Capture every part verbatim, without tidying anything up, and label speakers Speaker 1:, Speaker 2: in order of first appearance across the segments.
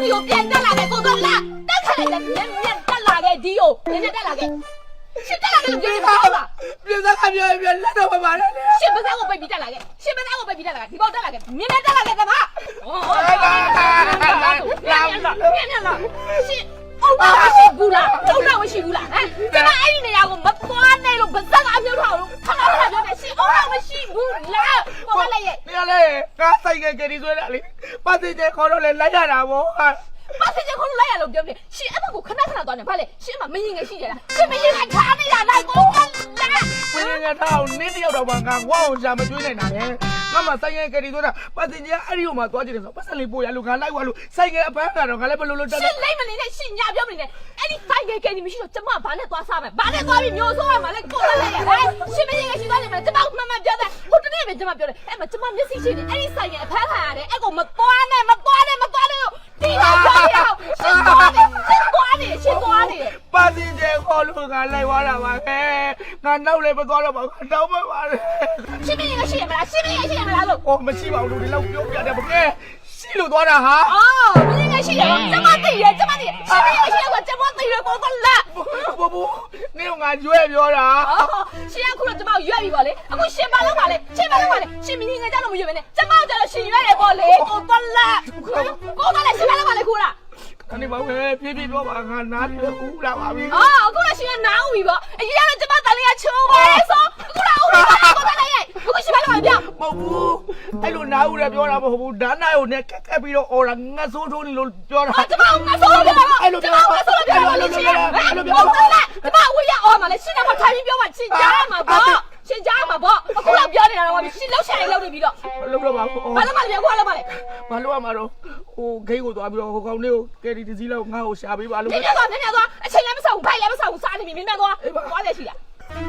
Speaker 1: ဒီကိုပြန်တက်လာခဲ့ကိုတော့လာတက်ခါလိုက်လည်းမြက်မြက်တက်လာခဲ့ဒီကိုမြက်မြက်တက်လာခဲ့ရှစ်တက်လာခဲ့လို့ပြောနေတာဟုတ်လား
Speaker 2: ပြဿနာကပြောပြလက်တော့မပါနဲ့
Speaker 1: ရှစ်ပစံကိုပိတ်ပြီးတက်လာခဲ့ရှစ်ပစံကိုပိတ်ပြီးတက်လာခဲ့ဒီပေါက်တက်လာခဲ့မြက်မြက်တက်လာခဲ့တမဟောမြက်မြက်လားမြက်မြက်လားရှစ်အုံတော့မရှိဘူးလားအုံတော့မရှိဘူးလားဟမ်ကျမအဲ့ဒီနေရာကိုမသွားနဲ့လို့ဗဇက်ကအပြုတ်ထောက်လို့ခဏခဏပြောနေရှစ်အုံတော့မရှိဘူးလားဟောလည်းရဲ့
Speaker 2: နေရာလေကားဆိုင်ကကလေးဆွဲတာလေပတ်စင်ကျခေါ်တော့လေလိုက်ရတာဗော
Speaker 1: ပတ်စင်ကျခေါ်လို့လိုက်ရလို့ပြောနေရှစ်အမကိုခဏခဏသွားနေဗါလေရှစ်အမမရင်ငယ်ရှိကြလားရှစ်မရင်ငယ်ထားနေတာလိုက်ကိုလား
Speaker 2: မင်းငါထားအောင်နင်းတယောက်တော့မှငါဝါအောင်ရှာမကျွေးနိုင်တာလေငါမှဆိုင်ကကလေးဆွဲတာပတ်စင်ကျအဲ့ဒီဟိုမှာသွားကြည့်တယ်ဆိုပတ်စင်လေးပို့ရလို့ငါလိုက်သွားလို့ဆိုင်ကအပန်းကတော့ငါလည်းဘယ်လိုလုပ်တက်
Speaker 1: ရှစ်လိုက်မနေနဲ့ရှစ်ညာပြောမနေနဲ့အဲ့ဒီဆိုင်ကကလေးမရှိတော့ကျမဘာနဲ့သွားစားမယ်ဘာနဲ့သွားပြီးမျိုးဆိုးရမှာလဲကိုလာလိုက်ရဟဲ့ရှစ်မရင်ငယ်ရှိသွားနေမှာကျမကမှန်မှန်ပြောတယ်ဟိုတနေ့ပဲကျမပြောတယ်အဲ့မှာကျမမျက်စိရှိနေအဲ့ဒီဆိုင်ကအဖမ်းခံရတယ်အဲ့ကိုမသွားနဲ့မသွားနဲ့မသွားနဲ့လို့ဒီတော့ပြောရအောင်ရှစ်သွားနေရှစ်သွားနေရှစ်သွားနေ
Speaker 2: ပတ်စင်ကျခေါ်လို့ငါလိုက်သွားတာပါခဲငါနောက်လည်းမသွားတော့ပါဘူးတောင်းမပါနဲ့
Speaker 1: ရှစ်မရင်ငယ်ရှိရမလားရှစ်မရင်ငယ်ရှိရမလားလို့
Speaker 2: အော်မရှိပါဘူးလူတွေလောက်ပြောပြတယ်ဗကဲရှိလို့သွားတာဟာ
Speaker 1: အော်မင်းငယ်ရှိတယ်ကျမသိတယ်ကျမသိတယ်ရှင်းမရရှင်းတော့ကျမသိတယ်ပေါ်ကလာ
Speaker 2: ဘူဘူနေငါရွဲ့ပြောတာ
Speaker 1: ရှင်းအခုတော့ကျမရွက်ပြီပေါ့လေအခုရှင်းပါလောက်ပါလေရှင်းပါလောက်ပါလေရှင်းမင်းငယ်ကြလို့မရွက်ပဲနဲ့ကျမကြလို့ရှင်းရွက်ရပေါ့လေကိုတော့လာကိုတော့လည်းရှင်းပါလောက်ပါလေခုလား
Speaker 2: အနေပါပဲပြည့်ပြည့်တော့ပါငါနားပြဦးလာပါပြီ
Speaker 1: အော်အခုလည်းရှင်းနားဦးပြီပေါ့အရင်ကကျမတန်လေးကချိုးပါလေဆိုအခုတော့ဦးပြီကိုတော့လည်းရိုက်အခုရှင်းပါလောက်ပါဗျ
Speaker 2: မဟုတ်ဘူးအဲ့လိုနားဦးလည်းပြောတာမဟုတ်ဘူးဓာတ်နာကိုနဲ့ကက်ကက်ပြီးတော့အော်လာငါဆိုးထိုးနေလို့ပြောတာ
Speaker 1: ကျမငါဆိုးလို့ပြောတာအဲ့လိုပြောငါဆိုးလို့ပြောတာလို့ရှင်းအဲ့လိုပြောတာကျမဝေးရအော်မှာလေရှင်းတယ်မထိုင်ပြီးပြောမှရှင်းကြမှာပေါ့ရှင်းကြမှာပေါ့အခုတော့ပြောနေတာတော့ရှင်းလောက်ချင်လောက်နေပြီးတော့
Speaker 2: မလုပ်တော့ပါဘူး
Speaker 1: ဘာလို့မလဲပြောခုလောက်ပါလေ
Speaker 2: ဘာလို့ရမှာတော့ဟိုဂိတ်ကိုသွားပြီးတော့ဟိုကောင်လေးကိုကယ်ရီတစည်းလောက်ငါ့ကိုရှာပေးပါလို့
Speaker 1: မြင်မြင်သွားမြင်မြင်သွားအချိန်လည်းမဆောက်ဘူးဖိုက်လည်းမဆောက်ဘူးစားနေပြီမြင်မြင်သွားသွားတယ်ရှိလား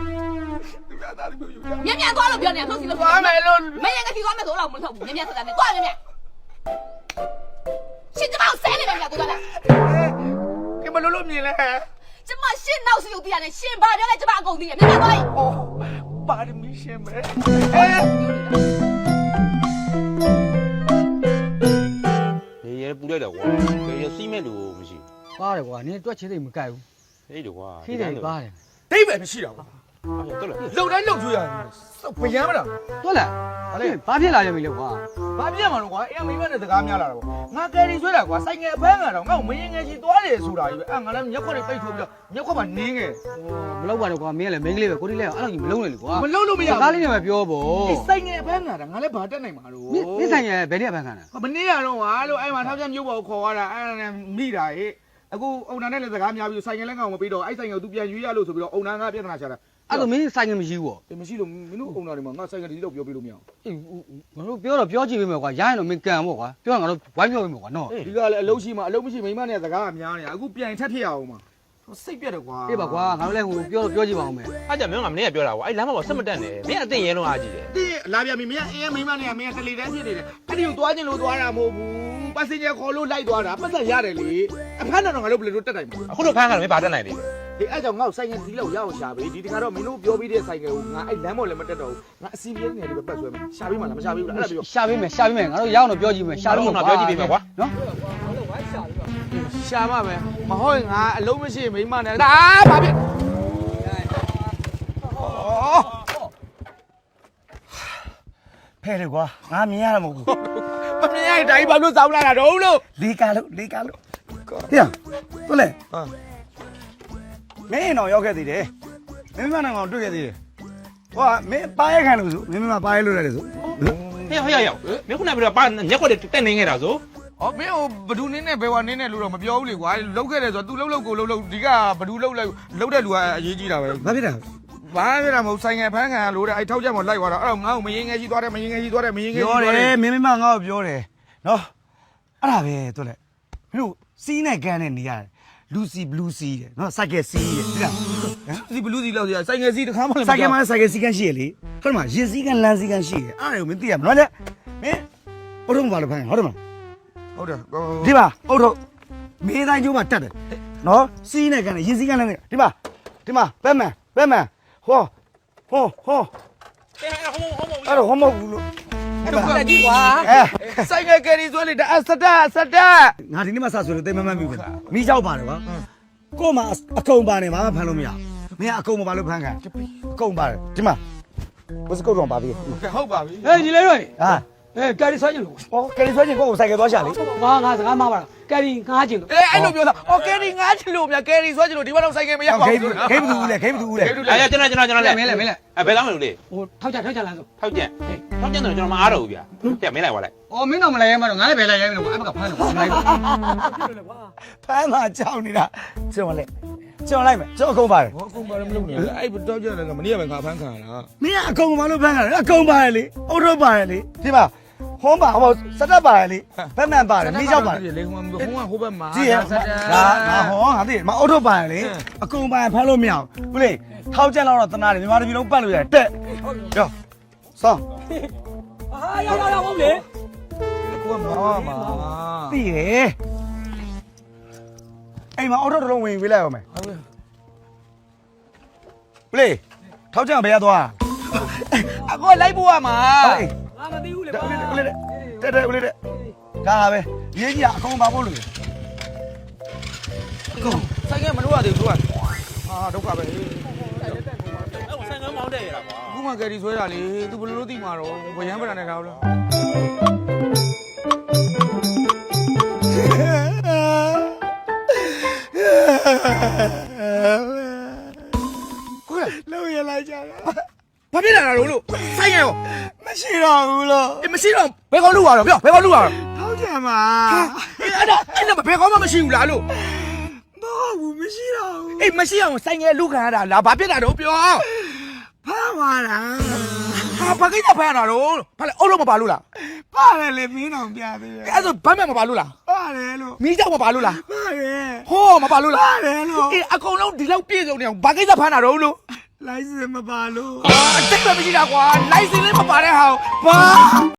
Speaker 1: မြင်မြင်သွားလို့ပြောနေတာထုတ်စီလို့
Speaker 2: သွားမယ်လို့
Speaker 1: မရင်ကစီသွားမယ်ဆိုတော့မထုတ်ဘူးမြင်မြင်ဆိုတာနဲ့သွားမြင်မြင်ရှင်းကျမဆဲနေတယ်မြင်ကိုသွားလား
Speaker 2: ကမလို့လို့မြင်လဲ
Speaker 1: ကျမရှင်းနောက်စီကိုသိရတယ်ရှင်းဘာပြောလဲကျမအကုန်သိတယ်မြင်မြင်သွား
Speaker 2: အော်ပါရမီရှင်းမယ်အဲ
Speaker 3: ရေရေပူလိုက်တော့ကွာရေရေစီးမဲ့လို့မရှိ
Speaker 4: ဘူးပါတယ်ကွာနင်းတွက်ချစ်သိမကြိုက်ဘူး
Speaker 3: ဟေးတော့ကွာ
Speaker 4: ခိတယ်ပါတယ်
Speaker 2: ဒိတ်ပဲမရှိတော့ဘူး
Speaker 3: အဲ့တော့လေ
Speaker 2: လုံတိုင်းလုံကျွေးရတယ်စောက်ပယမ်းမလား
Speaker 4: ဟုတ်လားဘာလဲဘာဖြစ်လာရမလဲကွာ
Speaker 2: ဘာပြက်မှာလို့ကွာအဲ့မိမနဲ့စကားများလာတာပေါ့ငါကယ်ရီဆွဲတာကွာဆိုင်ငယ်အဖမ်းကတော့ငါ့ကိုမရင်ငယ်ချီသွားတယ်ဆိုတာကြီးပဲအဲ့ငါလည်းမျက်ခွက်တွေပိတ်ထိုးပြီးတော့မျက်ခွက်မှာနင်းငယ်
Speaker 4: မလောက်ပါနဲ့ကွာမင်းကလည်းမင်းကလေးပဲကိုတိလေးကအဲ့လိုကြီးမလုံးနဲ့လေကွာ
Speaker 2: မလုံးလို့မရဘူး
Speaker 4: စကားလေးနဲ့ပဲပြောပေါ့
Speaker 2: ဆိုင်ငယ်အဖမ်းကတော့ငါလည်းဘာတက်နိုင်မှာလို့
Speaker 4: မင်းဆိုင်ငယ်ဘယ်နေ့အဖမ်းခံတာ
Speaker 2: မနေ့ကတော့ကွာလို့အဲ့မှာထောက်ပြမျိုးပေါ်ကိုခေါ်သွားတာအဲ့ဒါနဲ့မိတာဟဲ့အခုအုံနာနဲ့လည်းစကားများပြီးဆိုင်ငယ်လည်းငါ့ကိုမပေးတော့အဲ့ဆိုင်ငယ်ကို तू ပြန်ရွေးရလို့ဆိုပြီးတော့အုံနာကပြဿနာချတာ
Speaker 4: အဲ့လိုမင်းဆိုင်ငယ်မရှိဘူးပေါ့
Speaker 2: အေးမရှိလို့မင်းတို့အုံနာတွေမှာငါဆိုင်ငယ်ဒီလောက်ပြောပြလို့မရအောင်
Speaker 4: အေးငါတို့ပြောတော့ပြောကြည့်ပေးမယ်ကွာရရင်တော့မင်းကန်ပေါ့ကွာပြောရင်ငါတို့ဝိုင်းပြောပေးမယ်ကွာနော်
Speaker 2: ဒီကလည်းအလုံးရှိမှအလုံးမရှိမိမနဲ့စကားကများနေတာအခုပြန်ထက်ဖြစ်ရအောင်မှာစိတ်ပြက်တယ်ကွာ
Speaker 4: အေးပါကွာငါတို့လည်းဟိုပြောတော့ပြောကြည့်ပါဦးမယ်
Speaker 3: အဲ့ကြမင်းကမင်းကပြောတာကွာအဲ့လမ်းမှာဆက်မတက်နဲ့မင်းအသိရဲလုံးအားကြည့်တယ်
Speaker 2: တင်းလာပြန်ပြီမင်းအေးမိမနဲ့မင်းကတလီတန်းဖြစ်နေတယ်အဲ့ဒီကိုသွားခြင်းလို့သွားတာမဟုတ်ဘူးပတ်စင်ကျခေါ်လို့လိုက်သွားတာပတ်သက်ရတယ်လေအဖမ်းတော့ငါတို့ဘယ်လိုတက်နိုင်မှာ
Speaker 3: အခုတော့ဖမ်းကတော့မင်းဘာတက်နိုင်လဲ
Speaker 2: ဒီအဲ့ကြောင့်ငါ့ကိုဆိုင်ငယ်ဒီလောက်ရအောင်ရှာပေးဒီတခါတော့မင်းတို့ပြောပြီးတဲ့ဆိုင်ငယ်ကိုငါအဲ့လမ်းပေါ်လည်းမတက်တော့ဘူးငါအစီပြေးနေတယ်ပဲပတ်ဆွဲမယ်ရှာပေးမှလားမရှာပေးဘူးလားအဲ့ဒါပြော
Speaker 4: ရှာပေးမယ်ရှာပေးမယ်ငါတို့ရအောင်တော့ပြောကြည့်မယ်ရှာလို့
Speaker 3: တော့ပြောကြည့်ပေးမယ်ကွာ
Speaker 4: နော်
Speaker 2: ရှာပါမယ်မဟုတ်ရင်ငါအလုံးမရှိမိမနဲ့ဒါဘာဖြစ်
Speaker 5: ဖဲလေကွာငါမြင်ရမှာမဟုတ်ဘူး
Speaker 2: မမြင်ရရင်ဒါကြီးဘာလို့စောင်းလာတာတော့လို့
Speaker 5: လေးကားလို့လေးကားလို့ဟေ့တို့လေဟာမင်းတော့ရောက်ခဲ့သေးတယ်မင်းမနဲ့ကောင်တွေ့ခဲ့သေးတယ်ဟောမင်းပါရဲခံလို့ဆိုမင်းမပါရဲလို့ရတယ်ဆို
Speaker 3: ဟေးဟေးရောက်မင်းခုနကပြောပါညက်ခွက်တက်နေခဲ့တာဆို
Speaker 2: ဟောမင်းဟိုဘဒူနင်းနဲ့ဘယ်ဝါနင်းနဲ့လို့တော့မပြောဘူးလေကွာလောက်ခဲ့တယ်ဆိုတော့ तू လှုပ်လှုပ်ကိုလှုပ်လှုပ်ဒီကဘဒူလှုပ်လိုက်လှုပ်တဲ့လူကအရေးကြီးတာပဲ
Speaker 5: ဘာဖြစ်တာ
Speaker 2: ဘာဖြစ်တာမဟုတ်ဆိုင်ငယ်ဖမ်းခံရလို့တဲ့အဲ့ထောက်ချက်မလိုက်သွားတာအဲ့တော့ငါ့ကိုမရင်ငယ်ကြီးသွားတယ်မရင်ငယ်ကြီးသွားတယ်မရင်ငယ်ကြီး
Speaker 5: သွားတယ်ပြောတယ်မင်းမငါ့ကိုပြောတယ်နော်အဲ့ဒါပဲတို့လေမင်းတို့စီးနဲ့ကန်နဲ့နေရတယ်လူစီဘလူးစီတဲ့နော်စိုက်ကယ်စီးတဲ့ဒီလား
Speaker 2: စီဘလူးစီလောက်စီဆိုင်ငယ်စီတခါမှလည်း
Speaker 5: စိုက်ကယ်မှာစိုက်ကယ်စီးကန်ရှိရလေဟုတ်တယ်မရင်စီးကန်လမ်းစီးကန်ရှိတယ်အဲ့ဒါကိုမင်းသိရမလားနော်မင်းအုတ်ထုံးဘာလို့ဖမ်းဟုတ်တယ်မလား
Speaker 2: ဟုတ်တယ်
Speaker 5: ဒီပါအုတ်ထုံးမင်းတိုင်းကျိုးမှာတက်တယ်နော်စီးနဲ့ကန်နဲ့ရင်စီးကန်နဲ့ဒီပါဒီမှာဘက်မန်ဘက်မန်ဟောဟောဟော
Speaker 3: ဟဲ့ဟောဟော
Speaker 5: အဲ့တော့ဟောမဟုတ်ဘူးလို့
Speaker 2: အဲ့တော့ကြည့်ကွာ
Speaker 5: အဲ
Speaker 2: ဆိုင်ငယ်ကယ်ရီဆွဲလေဒါအစတက်အစတက်
Speaker 5: ငါဒီနေ့မှစဆွေလို့တိတ်မမှတ်ပြီမိကြောက်ပါတယ်ကွာကို့မှာအကုံပါနေမှာမဖမ်းလို့မရမင်းအကုံမပါလို့ဖမ်းခံအကုံပါတယ်ဒီမှာဘယ်စကုတ်တော့ပါပြီ
Speaker 2: ဟုတ်ပါပြီ
Speaker 4: ဟေးညီလေးတို့
Speaker 5: ဟာ
Speaker 4: ဟေးကယ်ရီဆွဲချင်လို့
Speaker 5: ဟောကယ်ရီဆွဲချင်းကို့ကိုဆိုင်ကယ်သွားရှာလေ
Speaker 4: ငါငါစကားမပါလားကယ်ရီငါးချင်လို့
Speaker 2: အဲအဲ့လိုပြောတာအော်ကယ်ရီငားချလို့မြကယ်ရီဆွဲချလို့ဒီဘက်တော့ဆိုင်ငယ်မရပါ
Speaker 5: ဂိ
Speaker 2: ဘူး
Speaker 5: မ်းဂိမ်းဘူးလေဂိမ်းဘူးလေ
Speaker 3: အဲ့ကျွန်တော်ကျွန်တော်ကျွန်တော်လဲ
Speaker 4: မင်းလည်းမင်းလည်း
Speaker 3: အဲဘယ်လောက်မလို့လေ
Speaker 4: ဟိုထောက်ကြထောက်ကြလမ်းဆို
Speaker 3: ထောက်ကျန်ထောက်ကျန်တော့ကျွန်တော်မအားတော့ဘူးဗျာတဲ့မင်းလိုက်သွားလိုက်
Speaker 4: အော်မင်းတော့မလဲရဲမတော့ငါလည်းပဲလဲရဲမလို့အဲ့ဘက်ကဖမ်းလို့မလိုက်ဘူး
Speaker 5: ဖမ်းမှာကြောက်နေတာကျွန်တော်လေကျွန်တော်လိုက်မယ်ကျွန်တော်အကုံပါတယ်
Speaker 2: ဟောကုန်ပါတယ်မလုပ်နဲ့အဲ့တော့ကြတယ်ကမနေ့ကပဲငါဖမ်းခံရတာ
Speaker 5: မင်းကအကုံမလို့ဖမ်းခံတယ်အကုံပါတယ်လေအုတ်ထုတ်ပါတယ်လေဒီမှာဟောပါဟောစက်တက်ပါတယ်လေဘက်မှန်ပါတယ်မိကြောက်ပါတယ်
Speaker 2: လေဟိုဟိုကဟိုဘက်မှာ
Speaker 5: ကြည့်ရဒါငါဟောငါသိတယ်မအုတ်ထုတ်ပါတယ်လေအကုံပါတယ်ဖမ်းလို့မရဘူးလေထောက်ချက်လောက်တော့တနာတယ်မြန်မာပြည်လုံးပတ်လို့ရတယ်တက်ရောစောင်း
Speaker 4: ဟာရောက်ရောက်ရောက်ဟုတ်လေ
Speaker 2: ကိုကမောမှာ
Speaker 5: သိရအိမ်မှာအုတ်ထုတ်တစ်လုံးဝင်ပေးလိုက်အောင်မယ်
Speaker 2: ဟုတ်ပြီ
Speaker 5: ပလေထောက်ချက်ဘယ်ရသွား
Speaker 2: အကိုလိုက်ဖို့ရမှာ
Speaker 5: ဟေး
Speaker 4: ငါမသိဘူးလေ
Speaker 5: တက်ဦးလေးတက်တက်ဦးလေးတက်ဒါပဲရေးကြီးအကုန်ပါဖို့လို့
Speaker 2: ဆိုင်ငယ်မလို့ရသေးဘူးသူကအာဒုက္ခပဲ
Speaker 3: ဆိုင်ငန်းမောင်းတဲ့ရတာကွာ
Speaker 2: ခုမှကယ်ရီဆွဲတာလေသူဘယ်လိုလုပ်သိမှာတော့ဗယံပဒနဲ့ထားလို့ကိုရ
Speaker 5: လောက်ရလိုက်ကြတာ
Speaker 2: ဘာဖြစ်လာတာလို့ဆိုင်ငယ်ရော
Speaker 5: မရှိတော့ဘူးလို့
Speaker 2: အေးမရှိတော့ဘယ်ကောင်လုပ်ရတော့ပြောဘယ်ကောင်လုပ်ရတော့
Speaker 5: ထောက်ချက်မှာ
Speaker 2: အဲ့ဒါအဲ့ဒါဘယ်ကောင်မှမရှိဘူးလားလို့
Speaker 5: မဟုတ်ဘူးမရှိတော့ဘူး
Speaker 2: အေးမရှိအောင်ဆိုင်ငယ်လူခံရတာလားဘာဖြစ်တာတော့ပြော
Speaker 5: ဖမ်းသွားတာ
Speaker 2: ဟာဘာကိစ္စဖမ်းရတာတော့ဘာလဲအုပ်လို့မပါလို့လား
Speaker 5: ပါတယ်လေမင်းအောင်ပြသေးတယ်
Speaker 2: အဲ့ဒါဆိုဘမ်းမဲ့မပါလို့လား
Speaker 5: ပါတယ်လို့
Speaker 2: မီးကြောက်မပါလို့လား
Speaker 5: ပါတယ်
Speaker 2: ဟောမပါလို့လား
Speaker 5: ပါတယ်လို့
Speaker 2: အေးအကုန်လုံးဒီလောက်ပြည့်စုံနေအောင်ဘာကိစ္စဖမ်းတာတော့လို့
Speaker 5: လိုင်းစင်မပါလို့
Speaker 2: အာအတိတ်ပဲမရှိတာကွာလိုင်စင်လေးမပါတဲ့ဟာဘာ